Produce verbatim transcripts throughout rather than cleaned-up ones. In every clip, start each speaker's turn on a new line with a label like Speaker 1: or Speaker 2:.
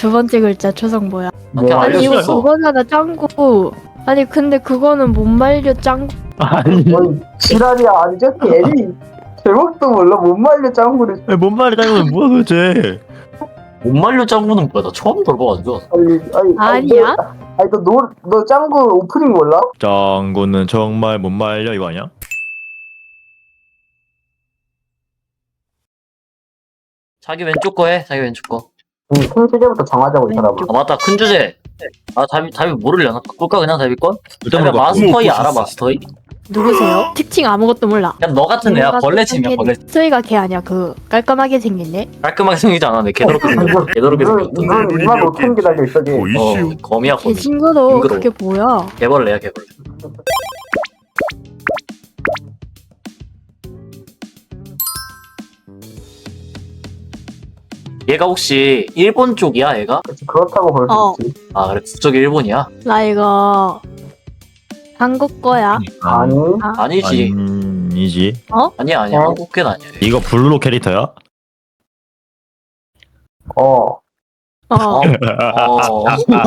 Speaker 1: 두 번째 글자 초성 뭐야?
Speaker 2: 그냥
Speaker 3: 뭐,
Speaker 1: 아니 이거
Speaker 2: 알려줬어.
Speaker 1: 그거잖아 짱구. 아니 근데 그거는 못 말려 짱구.
Speaker 3: 아니
Speaker 4: 뭔 지랄이야. 아니 저기 애니 제목도 몰라. 못 말려 짱구를.
Speaker 3: 뭔 말이 짱구는 뭐야 도대체.
Speaker 2: 못 말려 짱구는 뭐야? 나 처음 들어봐가지고.
Speaker 4: 아니 아니
Speaker 1: 아니야?
Speaker 4: 너, 아니 너너 너 짱구 오프닝 몰라?
Speaker 3: 짱구는 정말 못 말려 이거 아니야?
Speaker 2: 자기 왼쪽 거 해. 자기 왼쪽 거.
Speaker 4: 응, 큰 주제부터 정하자고 이 사람아.
Speaker 2: 아 맞다. 큰 주제. 아 답이 답이 모르려나? 바꿀까 그냥 답이 건?
Speaker 3: 일단
Speaker 2: 그냥
Speaker 3: 뭐가
Speaker 2: 마스터이 알아 마스터이?
Speaker 1: 누구세요? 특징 아무것도 몰라.
Speaker 2: 그냥 너 같은 애야. 벌레침이야 벌레.
Speaker 1: 스토이가 걔 아니야. 그 깔끔하게 생겼네.
Speaker 2: 깔끔하게 생기지 않아. 내 개더럽게 생겼어. 개더럽게 생겼어.
Speaker 4: 눈 이만 오천 개 달려 있어. 걔.
Speaker 3: 뭐
Speaker 2: 어
Speaker 3: 이슈.
Speaker 2: 거미야
Speaker 1: 걔
Speaker 2: 거미.
Speaker 1: 친구도
Speaker 2: 징그러워.
Speaker 1: 그게 뭐야?
Speaker 2: 개벌레야 개벌레. 얘가 혹시 일본 쪽이야 얘가?
Speaker 4: 그치, 그렇다고 볼 수
Speaker 1: 어.
Speaker 4: 있지.
Speaker 2: 아 그래 국적이 일본이야?
Speaker 1: 나 이거 한국 거야.
Speaker 4: 아니
Speaker 2: 아니지.
Speaker 3: 아니지.
Speaker 2: 아니야 아니야
Speaker 4: 어?
Speaker 2: 한국계는 아니야.
Speaker 3: 이거 블루 캐릭터야?
Speaker 4: 어.
Speaker 1: 어.
Speaker 2: 어. 어.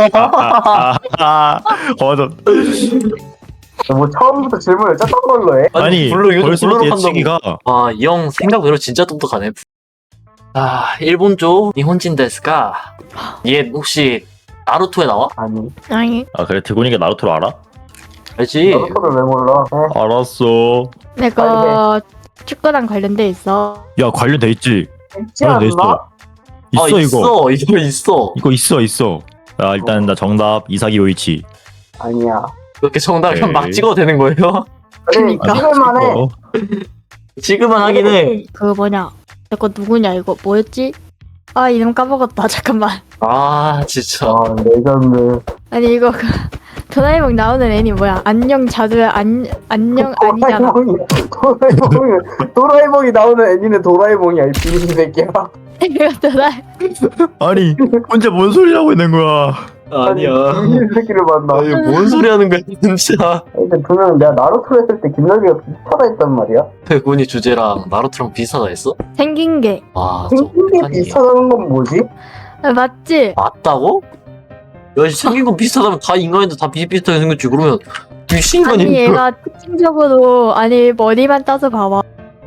Speaker 3: 아, 맞아.
Speaker 4: 뭐 처음부터 질문을 짰던 걸로 해?
Speaker 3: 아니
Speaker 2: 블루 이거
Speaker 3: 벌써
Speaker 2: 블루로 판다고.
Speaker 3: 예측이가
Speaker 2: 아, 이 형 생각외로 진짜 똑똑하네. 아, 일본 쪽 니혼진 데스까? 얘 혹시 나루토에 나와?
Speaker 4: 아니
Speaker 1: 아니
Speaker 3: 아 그래 드고니가 나루토를 알아?
Speaker 2: 알지?
Speaker 4: 나루토를 왜 몰라? 어.
Speaker 3: 알았어.
Speaker 1: 내가 축구랑 관련돼 있어.
Speaker 3: 야 관련돼 있지.
Speaker 4: 있지
Speaker 3: 관련돼
Speaker 4: 않나?
Speaker 3: 있어. 있어
Speaker 2: 아,
Speaker 3: 이거.
Speaker 2: 있어. 이거 있어.
Speaker 3: 이거 있어 있어. 야 일단 나 정답 이사기 요이치.
Speaker 4: 아니야.
Speaker 2: 그렇게 정답이면
Speaker 3: 오케이.
Speaker 2: 막 찍어도 되는 거예요?
Speaker 4: 그래
Speaker 1: 그러니까.
Speaker 4: 찍을만해.
Speaker 3: 어.
Speaker 2: 지금은 하긴 해.
Speaker 1: 그 뭐냐? 내거 누구냐 이거 뭐였지? 아 이름 까먹었다. 잠깐만.
Speaker 2: 아, 진짜.
Speaker 4: 아 레전드.
Speaker 1: 아니 이거 그 도라에몽 나오는 애니 뭐야? 안녕 자두야 안 안녕 아니잖아.
Speaker 4: 도라에몽이 도라에몽이 도라에몽이 나오는 애니는 도라에몽이야 이 비리 새끼야.
Speaker 1: 이거 도라
Speaker 3: 아니 혼자 뭔 소리 하고 있는 거야?
Speaker 2: 아니야.
Speaker 4: 비리 새끼를 만나.
Speaker 2: 아, 이거 뭔 소리 하는 거야, 진짜.
Speaker 4: 근데 분명 내가 나루토 했을 때 김나기가 비슷하다 했단 말이야.
Speaker 2: 백운이 주제랑 나루토랑 비슷하다 했어?
Speaker 1: 생긴 게
Speaker 2: 와,
Speaker 4: 생긴 게
Speaker 2: 어떡하니.
Speaker 4: 비슷하다는 건 뭐지?
Speaker 1: 아, 맞지?
Speaker 2: 맞다고? 야, 생긴 거 비슷하다면 다 인간인데 다 비슷비슷하게 생겼지. 그러면 귀신간이
Speaker 1: 아니 얘가 특징적으로 아니 머리만 따서 봐봐.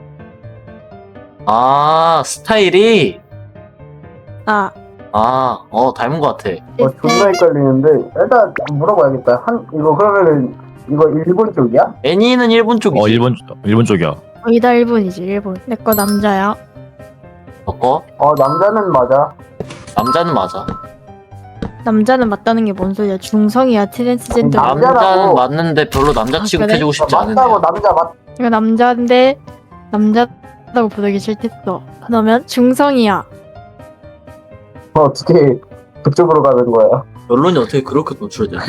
Speaker 2: 아, 스타일이?
Speaker 1: 아
Speaker 2: 아, 어, 닮은 것 같아.
Speaker 4: 어 존나 헷갈리는데 일단 물어봐야겠다. 한 이거 그러면은 이거 일본 쪽이야?
Speaker 2: 애니는 일본 쪽이지.
Speaker 3: 어 일본 일본 쪽이야.
Speaker 1: 거기다 일본이지 일본. 내 거 남자야.
Speaker 2: 어?
Speaker 4: 어 남자는 맞아.
Speaker 2: 남자는 맞아.
Speaker 1: 남자는 맞다는 게 뭔 소리야? 중성이야 트랜스젠더.
Speaker 4: 남-
Speaker 2: 남자는
Speaker 4: 남자라고.
Speaker 2: 맞는데 별로 남자
Speaker 1: 아,
Speaker 2: 취급해주고 싶지 않은
Speaker 4: 맞다고
Speaker 2: 애야.
Speaker 4: 남자 맞.
Speaker 1: 이거 남자인데 남자다고 부르기 싫댔어. 그러면 중성이야.
Speaker 4: 어, 어떻게 그쪽으로 가는 거야?
Speaker 2: 결론이 어떻게 그렇게 노출돼?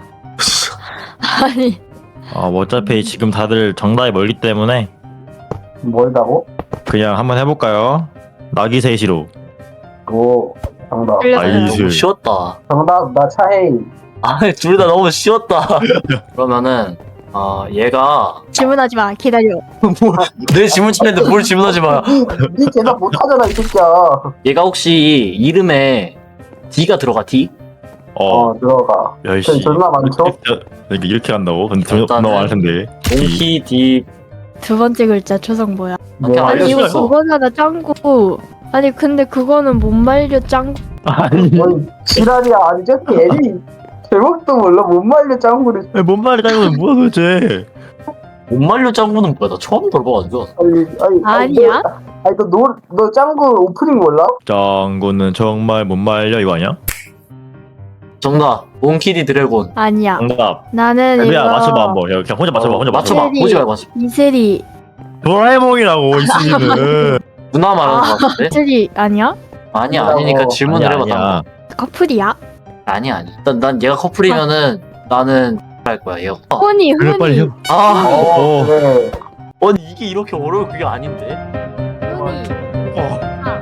Speaker 1: 아니
Speaker 3: 아 뭐 어차피 지금 다들 정답이 멀기 때문에
Speaker 4: 뭘다고?
Speaker 3: 그냥 한번 해볼까요? 나기세시로.
Speaker 4: 오 정답.
Speaker 1: 틀렸어요.
Speaker 3: 아이스.
Speaker 2: 너무 쉬웠다.
Speaker 4: 정답 나 차헤이.
Speaker 2: 아, 둘 다 너무 쉬웠다. 그러면은 아 얘가
Speaker 1: 질문하지 마. 기다려.
Speaker 2: 내 질문 치는데 뭘 질문하지 마.
Speaker 4: 니 대답 못하잖아 이 새끼야.
Speaker 2: 얘가 혹시 이름에 D가 들어가 D?
Speaker 3: 어
Speaker 4: 어 들어가.
Speaker 3: 열시.
Speaker 4: 존나 많죠?
Speaker 3: 이렇게 이렇게 간다고? 근데 더
Speaker 2: 일단은
Speaker 3: 너무 많을 텐데.
Speaker 2: 몽키 D.
Speaker 1: 두 번째 글자 초성 뭐야?
Speaker 2: 그냥
Speaker 4: 뭐,
Speaker 1: 아니 이거
Speaker 2: 알려줬어.
Speaker 1: 그거잖아 짱구. 아니 근데 그거는 못 말려 짱구.
Speaker 3: 아니
Speaker 4: 뭔 지랄이야. 아니 저기 애니 제목도 몰라. 못 말려 짱구를.
Speaker 3: 뭔 말이 짱구는 뭐야 도대체?
Speaker 2: 못 말려 짱구는 뭐야? 나 처음 들어봐가지고.
Speaker 4: 아니 아니
Speaker 1: 아니야?
Speaker 4: 너, 아니 너너 너 짱구 오프닝 몰라?
Speaker 3: 짱구는 정말 못 말려 이거 아니야?
Speaker 2: 정답. 몽키 D 드래곤.
Speaker 1: 아니야.
Speaker 3: 정답.
Speaker 1: 나는
Speaker 3: 그냥
Speaker 1: 이거
Speaker 3: 맞춰봐 한번. 야, 그냥 혼자 맞춰봐. 혼자 맞춰봐.
Speaker 2: 맞춰봐.
Speaker 1: 이슬이.
Speaker 2: 보지 말고 맞춰.
Speaker 1: 이슬이.
Speaker 3: 도라에몽이라고 있으면은.
Speaker 2: 누나 말하는 거 같은데?
Speaker 1: 이슬이 아니야?
Speaker 2: 아니야 아니니까 질문을
Speaker 3: 아니야,
Speaker 2: 해봐.
Speaker 3: 아니야.
Speaker 1: 커플이야?
Speaker 2: 아니야 아니. 난, 난 얘가 커플이면은 나는 할 거야 얘. 어.
Speaker 1: 훈이
Speaker 3: 그래 빨리 해.
Speaker 1: 훈이
Speaker 2: 아,
Speaker 3: 어.
Speaker 4: 그래.
Speaker 2: 아니 이게 이렇게 어려울 그게 아닌데.
Speaker 1: 훈이.
Speaker 3: 어.
Speaker 1: 아,